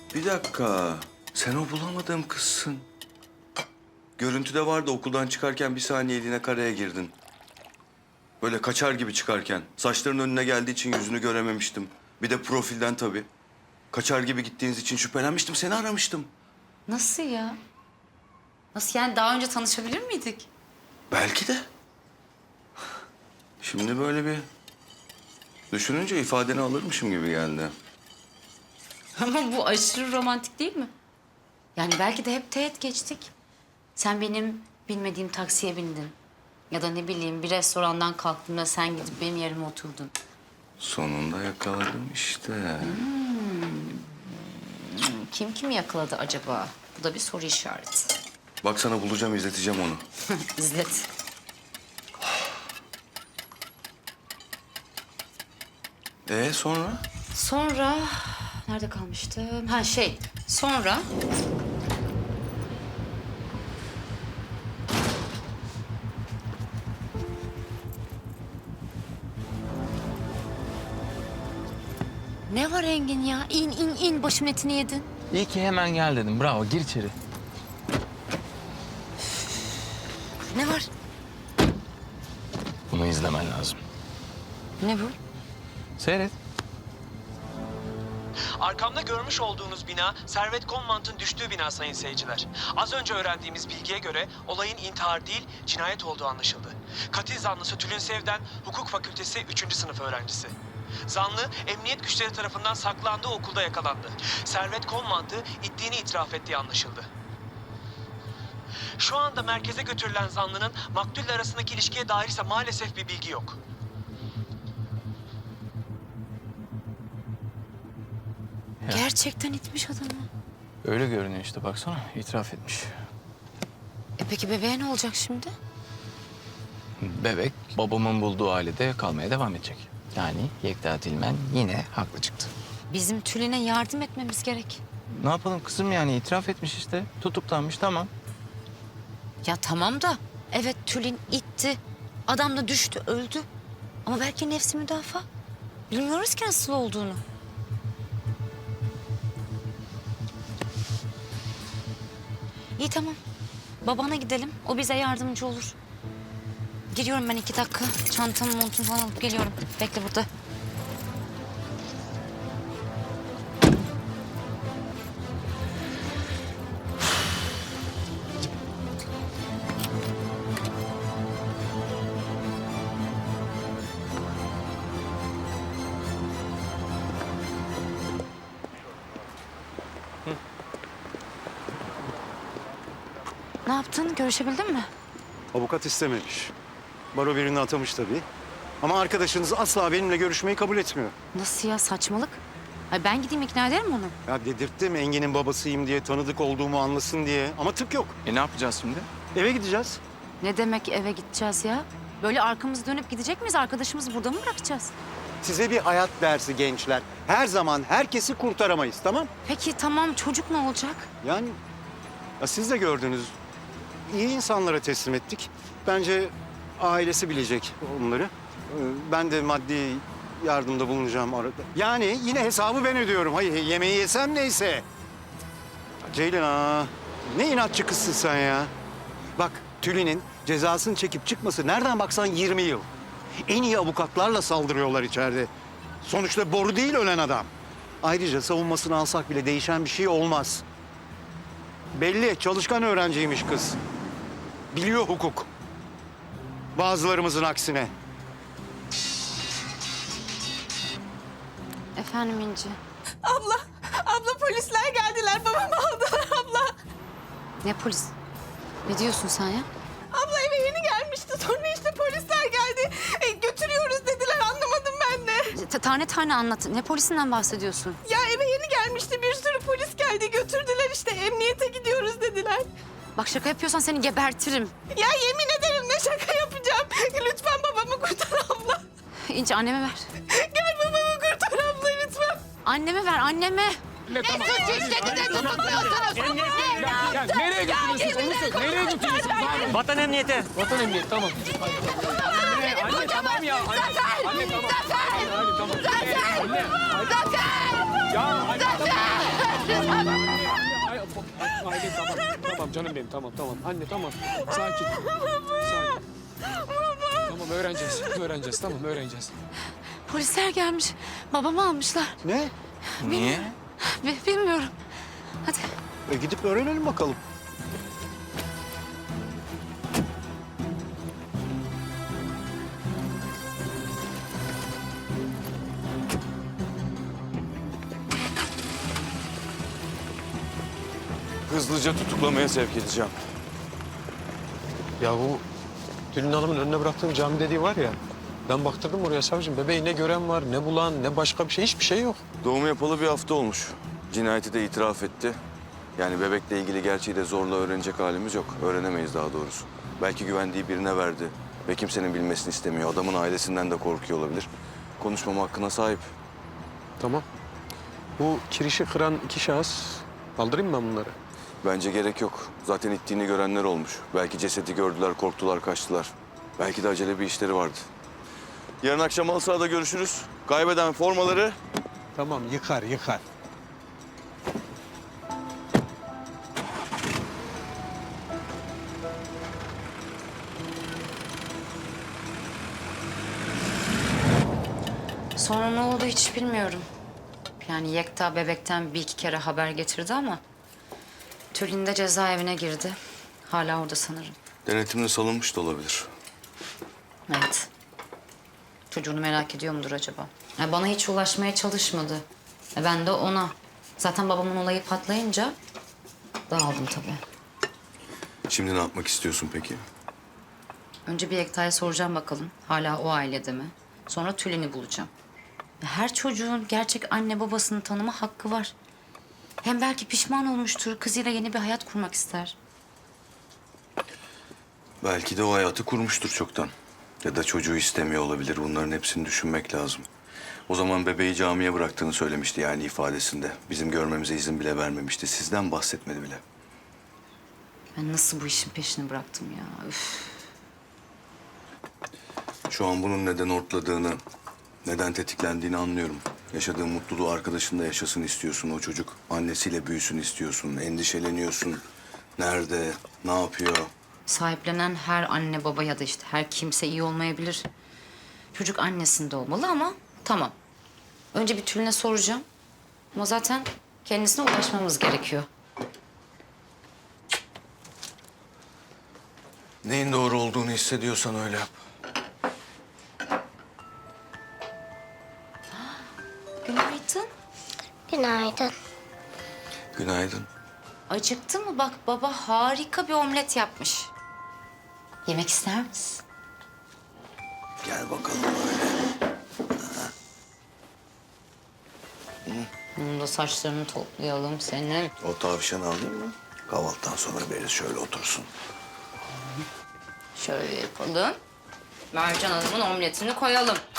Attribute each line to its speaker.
Speaker 1: Bir dakika. Sen o bulamadığım kızsın. Görüntüde vardı, okuldan çıkarken bir saniyeliğine karaya girdin. Böyle kaçar gibi çıkarken. Saçların önüne geldiği için yüzünü görememiştim. Bir de profilden tabii. Kaçar gibi gittiğiniz için şüphelenmiştim, seni aramıştım.
Speaker 2: Nasıl ya? Nasıl yani, daha önce tanışabilir miydik?
Speaker 1: Belki de. Şimdi böyle bir düşününce ifadeni alırmışım gibi geldi.
Speaker 2: Ama bu aşırı romantik değil mi? Yani belki de hep teğet geçtik. Sen benim bilmediğim taksiye bindin. Ya da ne bileyim, bir restorandan kalktığımda sen gidip benim yerime oturdun.
Speaker 1: Sonunda yakaladım işte.
Speaker 2: Kim kimi yakaladı acaba? Bu da bir soru işareti.
Speaker 1: Bak sana bulacağım, izleteceğim onu.
Speaker 2: İzlet.
Speaker 1: Sonra?
Speaker 2: Sonra nerede kalmıştım? Sonra ne var Engin ya? İn başımın etini yedin.
Speaker 3: İyi ki hemen gel dedim. Bravo, gir içeri.
Speaker 2: Ne var?
Speaker 3: Bunu izlemen lazım.
Speaker 2: Ne bu?
Speaker 3: Seyret.
Speaker 4: Arkamda görmüş olduğunuz bina Servet Konmant'ın düştüğü bina sayın seyirciler. Az önce öğrendiğimiz bilgiye göre olayın intihar değil cinayet olduğu anlaşıldı. Katil zanlısı Tülin Sevden, Hukuk Fakültesi 3. sınıf öğrencisi. Zanlı emniyet güçleri tarafından saklandığı okulda yakalandı. Servet Konmant'ı ittiğini itiraf ettiği anlaşıldı. Şu anda merkeze götürülen zanlının maktulle arasındaki ilişkiye dair ise maalesef bir bilgi yok.
Speaker 2: Gerçekten itmiş adamı.
Speaker 3: Öyle görünüyor işte, baksana. İtiraf etmiş.
Speaker 2: Peki bebeğe ne olacak şimdi?
Speaker 3: Bebek babamın bulduğu ailede kalmaya devam edecek. Yani Yekta Tilmen yine haklı çıktı.
Speaker 2: Bizim Tülin'e yardım etmemiz gerek.
Speaker 3: Ne yapalım kızım, yani itiraf etmiş işte. Tutuklanmış, tamam.
Speaker 2: Ya tamam da evet, Tülin itti. Adam da düştü, öldü. Ama belki nefsi müdafaa. Bilmiyoruz ki nasıl olduğunu. İyi tamam. Babana gidelim. O bize yardımcı olur. Giriyorum ben 2 dakika. Çantamı, montumu falan alıp geliyorum. Bekle burada. Ne yaptın? Görüşebildin mi?
Speaker 5: Avukat istememiş. Baro birini atamış tabii. Ama arkadaşınız asla benimle görüşmeyi kabul etmiyor.
Speaker 2: Nasıl ya, saçmalık? Ay ben gideyim ikna ederim onu.
Speaker 5: Ya dedirttim Engin'in babasıyım diye, tanıdık olduğumu anlasın diye. Ama tık yok.
Speaker 3: Ne yapacağız şimdi?
Speaker 5: Eve gideceğiz.
Speaker 2: Ne demek eve gideceğiz ya? Böyle arkamızı dönüp gidecek miyiz? Arkadaşımızı burada mı bırakacağız?
Speaker 5: Size bir hayat dersi gençler. Her zaman herkesi kurtaramayız, tamam?
Speaker 2: Peki tamam, çocuk ne olacak?
Speaker 5: Yani ya siz de gördünüz. İyi insanlara teslim ettik. Bence ailesi bilecek onları. Ben de maddi yardımda bulunacağım arada. Yani yine hesabı ben ödüyorum. Hayır, yemeği yesem neyse. Ceylan, ne inatçı kızsın sen ya. Bak, Tülin'in cezasını çekip çıkması nereden baksan 20 yıl. En iyi avukatlarla saldırıyorlar içeride. Sonuçta boru değil ölen adam. Ayrıca savunmasını alsak bile değişen bir şey olmaz. Belli, çalışkan öğrenciymiş kız. Biliyor hukuk. Bazılarımızın aksine.
Speaker 2: Efendim İnci.
Speaker 6: Abla polisler geldiler. Babamı aldılar abla.
Speaker 2: Ne polis? Ne diyorsun sen ya?
Speaker 6: Abla eve yeni gelmişti. Sonra işte polisler geldi. Götürüyoruz dediler. Anlamadım ben de.
Speaker 2: Tane tane anlat. Ne polisinden bahsediyorsun?
Speaker 6: Ya eve yeni gelmişti. Bir sürü polis geldi. Götürdüler işte. Emniyete gidiyoruz dediler.
Speaker 2: Bak şaka yapıyorsan seni gebertirim.
Speaker 6: Ya yemin ederim ne şaka yapacağım. Lütfen babamı kurtar abla.
Speaker 2: İnci anneme ver.
Speaker 6: Gel babamı kurtar abla lütfen.
Speaker 2: Anneme ver, anneme.
Speaker 3: Ya nereye götürüyorsunuz? Onu söyle. Nereye götürüyorsunuz?
Speaker 4: Vatan emniyeti.
Speaker 3: Vatan emniyeti, tamam. Anne tamam ya. Anne tamam. Anne tamam. Anne. Ya anne tamam.
Speaker 7: Aile tamam. Tamam canım benim tamam. Anne tamam. Sakin. Sakin. Tamam öğreneceğiz. Tamam öğreneceğiz.
Speaker 6: Polisler gelmiş. Babamı almışlar.
Speaker 5: Ne?
Speaker 3: Niye?
Speaker 6: Bilmiyorum. Hadi.
Speaker 5: Gidip öğrenelim bakalım.
Speaker 1: Hızlıca tutuklamaya sevk edeceğim.
Speaker 7: Ya bu Tülin Hanım'ın önüne bıraktığım cami dediği var ya. Ben baktırdım oraya savcım. Bebeği ne gören var, ne bulan, ne başka bir şey. Hiçbir şey yok.
Speaker 1: Doğum yapalı bir hafta olmuş. Cinayeti de itiraf etti. Yani bebekle ilgili gerçeği de zorla öğrenecek halimiz yok. Öğrenemeyiz daha doğrusu. Belki güvendiği birine verdi ve kimsenin bilmesini istemiyor. Adamın ailesinden de korkuyor olabilir. Konuşmama hakkına sahip.
Speaker 7: Tamam. Bu kirişi kıran 2 şahıs. Kaldırayım mı ben bunları?
Speaker 1: Bence gerek yok. Zaten ittiğini görenler olmuş. Belki cesedi gördüler, korktular, kaçtılar. Belki de acele bir işleri vardı. Yarın akşam halı sahada görüşürüz. Kaybeden formaları...
Speaker 7: Tamam yıkar.
Speaker 2: Sonra ne oldu hiç bilmiyorum. Yani Yekta bebekten bir iki kere haber getirdi ama... Tülin de cezaevine girdi. Hala orada sanırım.
Speaker 1: Denetimle salınmış da olabilir.
Speaker 2: Evet. Çocuğunu merak ediyor mudur acaba? Ya bana hiç ulaşmaya çalışmadı. Ben de ona. Zaten babamın olayı patlayınca dağıldım tabii.
Speaker 1: Şimdi ne yapmak istiyorsun peki?
Speaker 2: Önce bir Yekta'ya soracağım bakalım. Hala o ailede mi? Sonra Tülin'i bulacağım. Ya her çocuğun gerçek anne babasını tanıma hakkı var. Hem belki pişman olmuştur. Kızıyla yeni bir hayat kurmak ister.
Speaker 1: Belki de o hayatı kurmuştur çoktan. Ya da çocuğu istemiyor olabilir. Bunların hepsini düşünmek lazım. O zaman bebeği camiye bıraktığını söylemişti yani ifadesinde. Bizim görmemize izin bile vermemişti. Sizden bahsetmedi bile.
Speaker 2: Ben nasıl bu işin peşini bıraktım ya? Üf.
Speaker 1: Şu an bunun neden ortladığını, neden tetiklendiğini anlıyorum. Yaşadığın mutluluğu arkadaşında yaşasın istiyorsun o çocuk. Annesiyle büyüsün istiyorsun, endişeleniyorsun. Nerede, ne yapıyor?
Speaker 2: Sahiplenen her anne baba ya da işte her kimse iyi olmayabilir. Çocuk annesinde olmalı ama tamam. Önce bir Tülin'e soracağım. Ama zaten kendisine ulaşmamız gerekiyor.
Speaker 1: Neyin doğru olduğunu hissediyorsan öyle yap.
Speaker 2: Günaydın.
Speaker 8: Günaydın.
Speaker 1: Günaydın.
Speaker 2: Acıktın mı? Bak baba harika bir omlet yapmış. Yemek ister misin?
Speaker 1: Gel bakalım böyle.
Speaker 2: Bunun da saçlarını toplayalım senin.
Speaker 1: O tavşanı alayım mı? Kahvaltıdan sonra veririz şöyle otursun.
Speaker 2: Şöyle yapalım. Mercan Hanım'ın omletini koyalım.